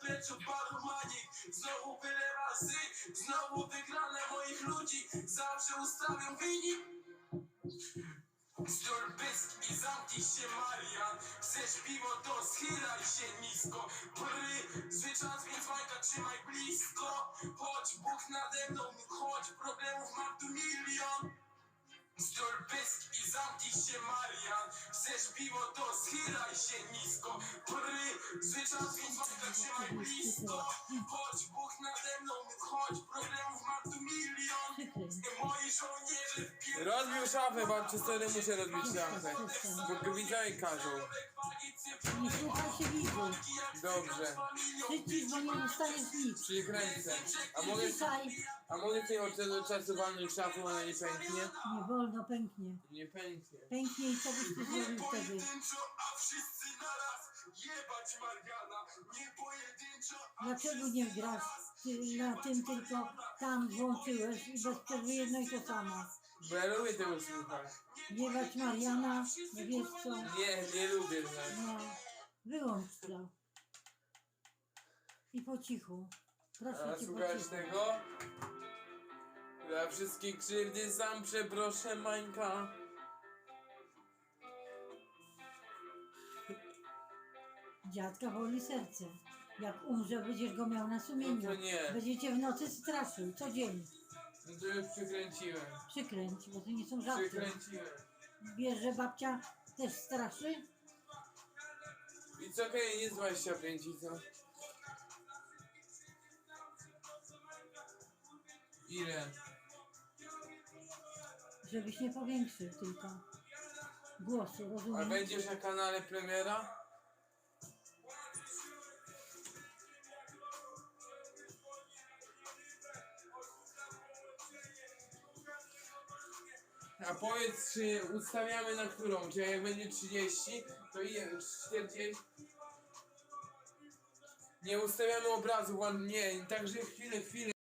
kleczo baromanik. Znowu byle razy, znowu wygrane moich ludzi. Zawsze ustawiam wynik. Zdól pysk i zamknij się, Marian. Chcesz piwo, to schylaj się nisko. Zwyczaj, więc Majka trzymaj blisko. Chodź, Bóg nade mną, chodź, problemów mam tu milion. Zdól pysk i zamknij się, Marian. Chcesz piwo, to schylaj się nisko. Zwyczaj, więc Majka trzymaj blisko. Chodź, Bóg nade mną, chodź, problemów mam tu milion. Moi żołnierze w Rozbił szafę, babcie, wtedy muszę rozbić szafę. Bo widzowie każą. Nie słuchaj się widzu. Dobrze. Przycisz, bo nie dostaniesz nic. Przykręcę. Ciszaj. A mogę tutaj od tego czasu walnąć szafą, ona nie pęknie? Nie wolno, pęknie. Nie pęknie. Pęknie i co byś ty zrobił wtedy? pojedynczo, a wszyscy naraz. Jebać Mariana, nie pojedynczo, a Dlaczego nie grasz na tym, tylko tam włączyłeś i bez przerwy jedno i to samo? Bo ja lubię tego słuchać. Jebać Mariana, no wiesz co? Nie lubię tak. No, wyłącz to. I po cichu. Proszę A cię, po słuchasz cichu. tego? Za wszystkie krzywdy sam przeproszę, Mańka. Dziadka boli serce. Jak umrze, będziesz go miał na sumieniu. No to nie. Będziecie w nocy straszył, co dzień. No to już przykręciłem. Przykręć, bo to nie są żarty. Przykręciłem. Wiesz, że babcia też straszy? It's okej, nie 25 i co? Ile? Żebyś nie powiększył tylko głosu, A rozumiesz? będziesz na kanale premiera? A powiedz, czy ustawiamy na którą? Czy jak będzie 30, to ile? 40? Nie ustawiamy obrazu, nie, także chwilę.